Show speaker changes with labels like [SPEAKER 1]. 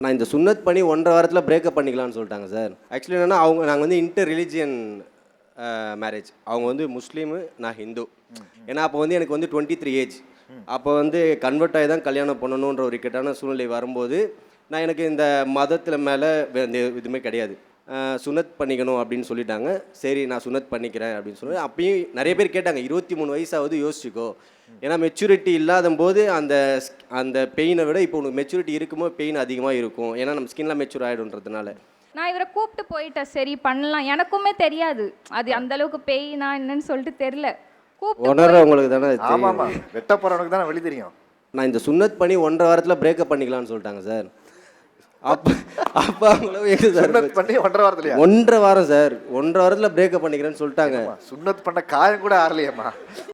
[SPEAKER 1] நான் இந்த சுன்னத் பண்ணி 1.5 வாரத்தில் பிரேக்கப் பண்ணிக்கலாம்னு சொல்லிட்டாங்க சார். ஆக்சுவலி என்னென்னா நாங்கள் வந்து இன்டர் ரிலிஜியன் மேரேஜ். அவங்க வந்து முஸ்லீமு, நான் ஹிந்து. ஏன்னா அப்போ வந்து எனக்கு வந்து 23 ஏஜ். அப்போ வந்து கன்வெர்ட் ஆகி தான் கல்யாணம் பண்ணணுன்ற ஒரு இக்கட்டான சூழ்நிலை வரும்போது நான் எனக்கு இந்த மதத்தில் மேலே இதுவுமே கிடையாது. சுனத் பண்ணிக்கணும் அப்படின்னு சொல்லிட்டாங்க. சரி நான் சுனத் பண்ணிக்கிறேன் அப்படின்னு சொல்லி அப்பயும் நிறைய பேர் கேட்டாங்க, 23 வயசாவது யோசிச்சுக்கோ. ஏன்னா மெச்சூரிட்டி இல்லாத போது அந்த அந்த பெயினை விட இப்போ உனக்கு மெச்சூரிட்டி இருக்கும்போது பெயின் அதிகமாக இருக்கும். ஏன்னா நம்ம ஸ்கின்லாம் மெச்சூர் ஆகிடுன்றதுனால.
[SPEAKER 2] நான் இவரை கூப்பிட்டு போயிட்டேன், சரி பண்ணலாம். எனக்குமே தெரியாது அது அந்த அளவுக்கு பெயினா என்னன்னு சொல்லிட்டு தெரியல.
[SPEAKER 1] உணர்றவங்களுக்கு தானே
[SPEAKER 3] ஆமாம் ஆமாம், வெட்ட போகிறவனுக்கு தானே வழி தெரியும்.
[SPEAKER 1] நான் இந்த சுன்னத் பண்ணி 1.5 வாரத்தில் பிரேக்கப் பண்ணிக்கலாம்னு சொல்லிட்டாங்க சார். அப்போ அவங்களும்
[SPEAKER 3] சுன்னத் பண்ணி 1.5 வாரத்துலையா?
[SPEAKER 1] 1.5 வாரம் சார். 1.5 வாரத்தில் பிரேக்கப் பண்ணிக்கிறேன்னு சொல்லிட்டாங்க.
[SPEAKER 3] சுன்னத் பண்ண காயம் கூட ஆறலையம்மா.